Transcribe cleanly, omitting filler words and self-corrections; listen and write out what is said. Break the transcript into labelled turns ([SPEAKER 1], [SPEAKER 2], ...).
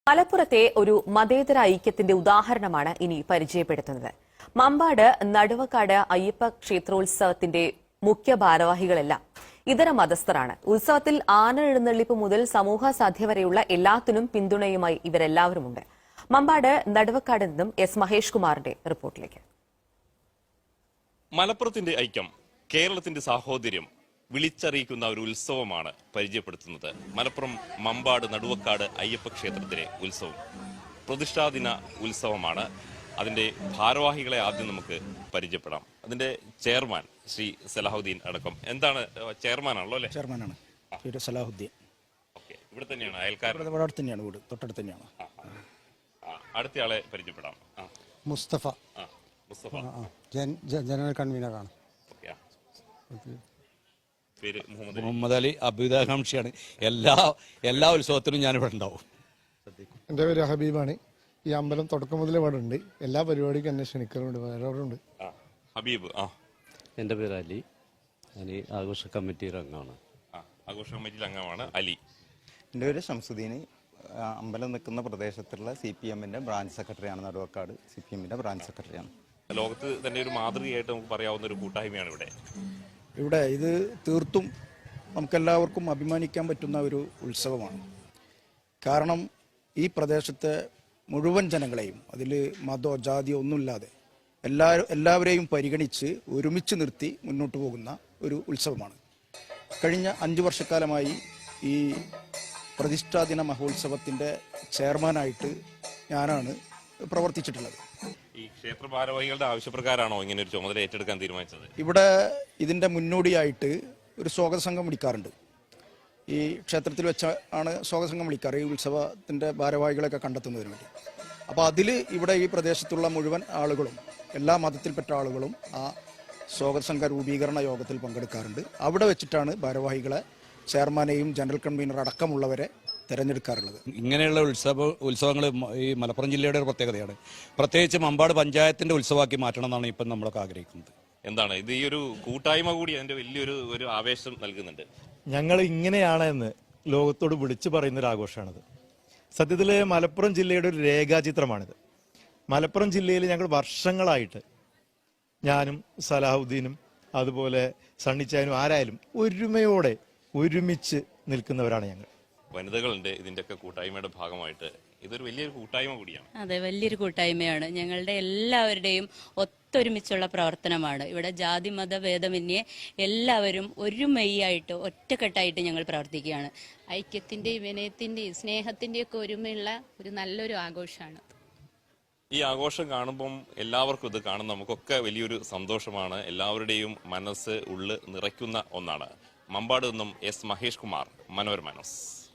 [SPEAKER 1] മലപ്പുറത്തെ ഒരു മതേതര ഐക്യത്തിന്റെ ഉദാഹരണമാണ് ഇനി പരിചയപ്പെടുത്തുന്നത്. മമ്പാട് നടുവക്കാട് അയ്യപ്പ ക്ഷേത്രോത്സവത്തിന്റെ മുഖ്യ ഭാരവാഹികളെല്ലാം ഇതര മതസ്ഥരാണ്. ഉത്സവത്തിൽ ആന എഴുന്നള്ളിപ്പ് മുതൽ സമൂഹ സാധ്യ വരെയുള്ള എല്ലാത്തിനും പിന്തുണയുമായി ഇവരെല്ലാവരുമുണ്ട്. മമ്പാട് നടുവക്കാട് നിന്നും എസ് മഹേഷ് കുമാറിന്റെ റിപ്പോർട്ടിലേക്ക്.
[SPEAKER 2] മലപ്പുറത്തിന്റെ ഐക്യം, കേരളത്തിന്റെ സാഹോദര്യം വിളിച്ചറിയിക്കുന്ന ഒരു ഉത്സവമാണ് പരിചയപ്പെടുത്തുന്നത് മലപ്പുറം മമ്പാട് നടുവക്കാട് അയ്യപ്പ ക്ഷേത്രത്തിലെ ഉത്സവം. പ്രതിഷ്ഠാദിന ഉത്സവമാണ്. അതിന്റെ ഭാരവാഹികളെ ആദ്യം നമുക്ക് പരിചയപ്പെടാം. അതിന്റെ ചെയർമാൻ ശ്രീ സലാഹുദ്ദീൻ അടക്കം. എന്താണ്, ചെയർമാനാണല്ലോ അല്ലെ?
[SPEAKER 3] ചെയർമാനാണ് സലാഹുദ്ദീൻ.
[SPEAKER 2] ഇവിടെ തന്നെയാണ്, അയൽക്കാരൻ
[SPEAKER 3] തന്നെയാണ്, വീട് തൊട്ടടുത്ത് തന്നെയാണ്.
[SPEAKER 2] അടുത്തയാളെ പരിചയപ്പെടാം.
[SPEAKER 4] മുസ്തഫ.
[SPEAKER 2] മുസ്തഫ
[SPEAKER 4] ജനറൽ കൺവീനറാണ്.
[SPEAKER 2] പേര്
[SPEAKER 5] മുഹമ്മദ് അലി. അഭ്യുദാകാംക്ഷിയാണ്. എല്ലാ ഉത്സവത്തിനും ഞാനിവിടെ ഉണ്ടാവും.
[SPEAKER 4] എൻ്റെ പേര് ഹബീബാണ്. ഈ അമ്പലം തുടക്കം മുതലേ ഇവിടെ ഉണ്ട്. എല്ലാ പരിപാടിക്കും എന്നെ ക്ഷണിക്കലുണ്ട്. വേറെ
[SPEAKER 2] ഹബീബ്.
[SPEAKER 6] എൻ്റെ പേര് അലി. ഞാൻ ആഘോഷ കമ്മിറ്റിയുടെ അംഗമാണ്.
[SPEAKER 2] ആഘോഷ കമ്മിറ്റിയിൽ അംഗമാണ് അലി.
[SPEAKER 7] എൻ്റെ പേര് ഷംസുദ്ദീൻ. അമ്പലം നിൽക്കുന്ന പ്രദേശത്തുള്ള CPM-ന്റെ ബ്രാഞ്ച് സെക്രട്ടറിയാണ്. നടുവക്കാട് CPM-ന്റെ ബ്രാഞ്ച് സെക്രട്ടറിയാണ്.
[SPEAKER 2] ലോകത്ത് തന്നെ ഒരു മാതൃകയായിട്ട് നമുക്ക് പറയാവുന്ന ഒരു കൂട്ടായ്മയാണ്
[SPEAKER 3] ഇവിടെ ഇത് തീർത്തും നമുക്കെല്ലാവർക്കും അഭിമാനിക്കാൻ പറ്റുന്ന ഒരു ഉത്സവമാണ്. കാരണം ഈ പ്രദേശത്തെ മുഴുവൻ ജനങ്ങളെയും, അതിൽ മതമോ ജാതിയോ ഒന്നുമില്ലാതെ എല്ലാവരെയും പരിഗണിച്ച് ഒരുമിച്ച് നിർത്തി മുന്നോട്ട് പോകുന്ന ഒരു ഉത്സവമാണ്. കഴിഞ്ഞ 5 വർഷക്കാലമായി ഈ പ്രതിഷ്ഠാദിന മഹോത്സവത്തിൻ്റെ ചെയർമാനായിട്ട് ഞാനാണ് പ്രവർത്തിച്ചിട്ടുള്ളത്.
[SPEAKER 2] ഈ ക്ഷേത്ര ഭാരവാഹികളുടെ ആവശ്യപ്രകാരമാണോ ഇങ്ങനെ ഒരു ചുമതല ഏറ്റെടുക്കാൻ തീരുമാനിച്ചത്?
[SPEAKER 3] ഇവിടെ ഇതിൻ്റെ മുന്നോടിയായിട്ട് ഒരു സ്വാഗത സംഘം വിളിക്കാറുണ്ട്. ഈ ക്ഷേത്രത്തിൽ വെച്ചാണ് സ്വാഗത സംഘം വിളിക്കാറ്, ഈ ഉത്സവത്തിൻ്റെ ഭാരവാഹികളൊക്കെ കണ്ടെത്തുന്നതിന് വേണ്ടി. അപ്പോൾ അതിൽ ഇവിടെ ഈ പ്രദേശത്തുള്ള മുഴുവൻ ആളുകളും, എല്ലാ മതത്തിൽപ്പെട്ട ആളുകളും ആ സ്വാഗത സംഘ രൂപീകരണ യോഗത്തിൽ പങ്കെടുക്കാറുണ്ട്. അവിടെ വെച്ചിട്ടാണ് ഭാരവാഹികളെ, ചെയർമാനെയും ജനറൽ കൺവീനർ അടക്കമുള്ളവരെ തിരഞ്ഞെടുക്കാറുള്ളത്.
[SPEAKER 5] ഇങ്ങനെയുള്ള ഉത്സവങ്ങൾ ഈ മലപ്പുറം ജില്ലയുടെ ഒരു പ്രത്യേകതയാണ്. പ്രത്യേകിച്ച് മമ്പാട് പഞ്ചായത്തിന്റെ ഉത്സവമാക്കി മാറ്റണം എന്നാണ് ഇപ്പം നമ്മളൊക്കെ ആഗ്രഹിക്കുന്നത്.
[SPEAKER 2] എന്താണ് ഇത്, ഈ ഒരു കൂട്ടായ്മ കൂടി അതിന്റെ വലിയൊരു ആവേശം നൽകുന്നുണ്ട്.
[SPEAKER 8] ഞങ്ങൾ ഇങ്ങനെയാണ് എന്ന് ലോകത്തോട് വിളിച്ചു പറയുന്ന ഒരു ആഘോഷമാണിത്. സത്യത്തിൽ മലപ്പുറം ജില്ലയുടെ ഒരു രേഖാചിത്രമാണിത്. മലപ്പുറം ജില്ലയിൽ ഞങ്ങൾ വർഷങ്ങളായിട്ട്, ഞാനും സലാഹുദ്ദീനും അതുപോലെ സണ്ണിച്ചായനും ആരായാലും ഒരുമയോടെ ഒരുമിച്ച് നിൽക്കുന്നവരാണ് ഞങ്ങൾ.
[SPEAKER 2] വനിതകളുണ്ട് ഇതിന്റെയൊക്കെ കൂട്ടായ്മയുടെ ഭാഗമായിട്ട്. ഇതൊരു വലിയൊരു കൂട്ടായ്മ കൂടിയാണ്.
[SPEAKER 9] അതെ, വലിയൊരു കൂട്ടായ്മയാണ്. ഞങ്ങളുടെ എല്ലാവരുടെയും ഒത്തൊരുമിച്ചുള്ള പ്രവർത്തനമാണ്. ഇവിടെ ജാതി മത ഭേദമന്യേ എല്ലാവരും ഒരു മെയ്യായിട്ട് ഒറ്റക്കെട്ടായിട്ട് ഞങ്ങൾ പ്രവർത്തിക്കുകയാണ്.
[SPEAKER 10] ഐക്യത്തിന്റെയും വിനയത്തിന്റെയും സ്നേഹത്തിന്റെയും ഒക്കെ ഒരുമയുള്ള ഒരു നല്ലൊരു ആഘോഷമാണ്.
[SPEAKER 2] ഈ ആഘോഷം കാണുമ്പം എല്ലാവർക്കും ഇത് കാണുന്ന നമുക്കൊക്കെ വലിയൊരു സന്തോഷമാണ്. എല്ലാവരുടെയും മനസ്സ് ഉള്ള് നിറയ്ക്കുന്ന ഒന്നാണ്. മമ്പാട് നിന്നും എസ് മഹേഷ് കുമാർ, മനോരമ ന്യൂസ്.